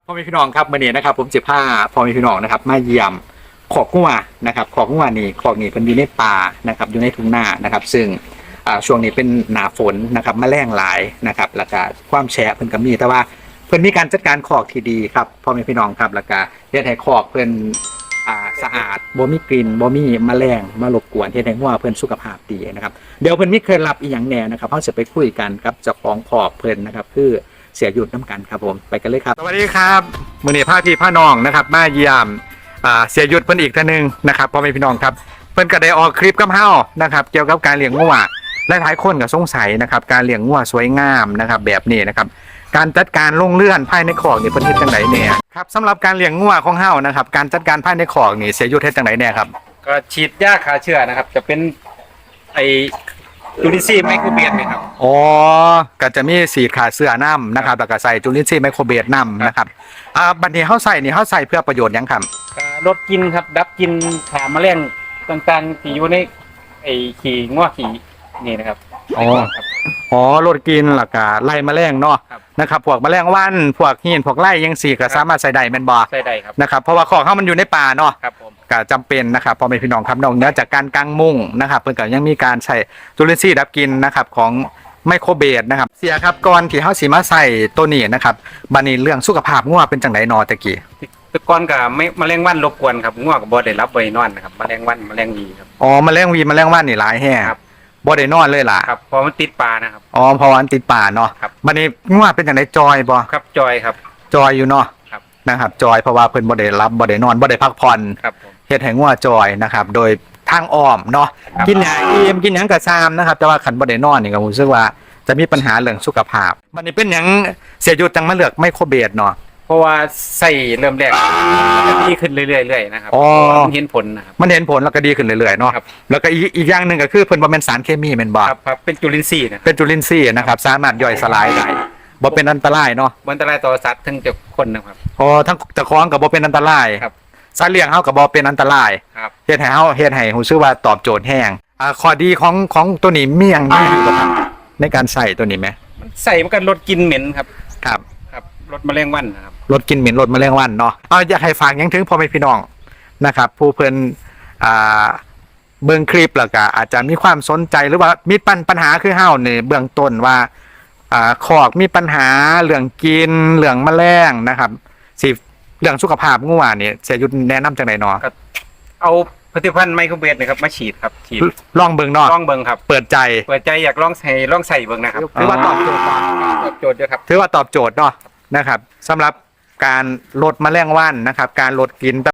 พ่อแม่พี่น้องครับมื่อนี้นะครับผมจะพาพ่อแม่พี่น้องนะครับมาเยี่ยมขอกงัวนะครับขอกงัวนี่ขอกนี่เป็นอยู่ในป่านะครับอยู่ในทุ่งนานะครับซึ่งช่วงนี้เป็นหนาฝนนะครับแมลงหลายนะครับแล้วก็ความแฉะเพิ่นก็มีแต่ว่าเพิ่นมีการจัดการขอกที่ดีครับพ่อแม่พี่น้องครับแล้วก็เฮ็ดให้ขอกเพิ่นสะอาดบ่มีกลิ่นบ่มีแมลงมารบกวนเฮ็ดให้งัวเพิ่นสุขภาพดีนะครับเดี๋ยวเพิ่นมีเคล็ดลับอีหยังแหน่นะครับเฮาจะไปคุยกันกับเจ้าของขอกเพิ่นนะครับคือเสียหยุดน้ำกันครับผมไปกันเลยครับสวัสดีครับมื้อนี้พาพี่พาน้องนะครับมาเยี่ยมเสียหยุดเพิ่นอีกท่านนึงนะครับพ่อแม่พี่น้องครับเพิ่นก็ได้ออกคลิปกับเฮานะครับเกี่ยวกับการเลี้ยงงัวหลายๆคนก็สงสัยนะครับการเลี้ยงงัวสวยงามนะครับแบบนี้นะครับการจัดการลงเลื่อนภายในคอกนี่เพิ่นเฮ็ดจังไดแน่ครับสำหรับการเลี้ยงงัวของเฮานะครับการจัดการภายในคอกนี่เสียหยุดเฮ็ดจังไดแน่ครับก็ฉีดยาฆ่าเชื้อนะครับจะเป็นไอจูลินซีย์ไมโครเบียดนะครับอ๋อก็จะมีสีขาเสื้อน้ำนะครับแล้วก็ใส่จุลินทรีย์ไมโครเบสน้ำนะครับบัดนี้เขาใส่นี่เขาใส่เพื่อประโยชน์หยังครับก็ลดกลินครับดับกลินขาแมลงต่างๆที่อยู่ในไอขี้ง้อขี้นี่นะครับอ๋อครับอ๋อลดกินแล้วก็ไล่แมลงเนาะครับนะครับพวกแมลงวันพวกหินพวกไล่ยังสีก็สามารถใส่ได้แม่นบ่ใส่ได้ครับนะครับเพราะว่าของเขามันอยู่ในป่าเนาะครับผมก็จำเป็นนะครับพอเป็นพี่น้องครับนอกเหนือจากการกางมุ้งนะครับเพิ่นก็ยังมีการใช้จุลินทรีย์ดับกลินนะครับของไมโครเบสนะครับเสียครับก่อนที่เฮาสิมาใส่ตัวนี้นะครับบัดนี้เรื่องสุขภาพงัวเป็นจังไดนอตะกี้แต่ก่อนก็ไม่แมลงวันรบกวนครับง้อก็บ่ได้รับบ่ได้นอนนะครับแมลงวันแมลงวีครับอ๋อแมลงวีแมลงวันนี่หลายแห่ครับบ่ได้นอนเลยล่ะครับเพอมันติดปลานะครับอ๋อเพราะว่าอันติดป่าเนาะครับบัดนี้งัวเป็นจังไดจอยบ่ครับจอยครับจอยอยู่เนาะครับนะครับจอยเพราะว่าเพิ่นบ่ได้รับบ่ได้นอนบ่ได้พักผ่อนครับผมเฮ็ดให้งัวจอยนะครับโดยทางอ้อมเนาะครับกินหยังอิ่มกินหยังก็ซามนะครับแต่ว่าคันบ่ได้นอนนี่ก็รู้สึกว่าจะมีปัญหาเรื่องสุขภาพบัดนี้เป็นหยังเสียหยุดจังมาเลือกไมโครเบสเนาะเพราะว่าใส่เริ่มแรกจะดีขึ้นเรื่อยๆนะครับอ๋อเพราะว่ามันเห็นผลนะครับมันเห็นผลแล้วก็ดีขึ้นเรื่อยๆเนาะครับแล้วก็อีกอย่างหนึงก็คือเพิ่นบ่แม่นสารเคมีแม่นบ่ครับครับเป็นจุลินทรีย์นะครับเป็นจุลินทรีย์นะครับสามารถย่อยสลายได้บ่เป็นอันตรายเนาะมันอันตรายต่อสัตว์ถึงจะคนนะครับอ๋อทั้งเจ้าของก็บ่เป็นอันตรายครับสัตว์เลี้ยงเฮาก็บ่เป็นอันตรายครับเฮ็ดให้รู้สึกว่าตอบโจทย์แห้งข้อดีของตัวนี้มีหยังดีอยู่บ่ครับในการใส่ตัวนี้ไหมมันใส่มันก็ลดกลิ่นเหม็นครับครับครับลดแมลงวันนะครับลดกลิ่นเหม็นลดแมลงวันเนาะอยากให้ฝากหยังถึงพ่อแม่พี่น้องนะครับผู้เพิ่นอ่าเบิ่งคลิปแล้วก็อาจจะมีความสนใจหรือว่ามีปัญหาคือเฮานี่เบื้องต้นว่าคอกมีปัญหาเรื่องกินเรื่องแมลงนะครับสิเรื่องสุขภาพงัวนี่เสียยุทธแนะนำจังได๋เนาะเอาผลิตภัณฑ์ไมโครเบสนะครับมาฉีดครับฉีดลองเบิ่งเนาะลองเบิ่งครับเปิดใจเปิดใจอยากลองใส่เบิ่งนะครับถือว่าตอบโจทย์เนาะตอบโจทย์ด้วยครับถือว่าตอบโจทย์เนาะนะครับสำหรับการลดแมลงวันนะครับการลดกลิ่น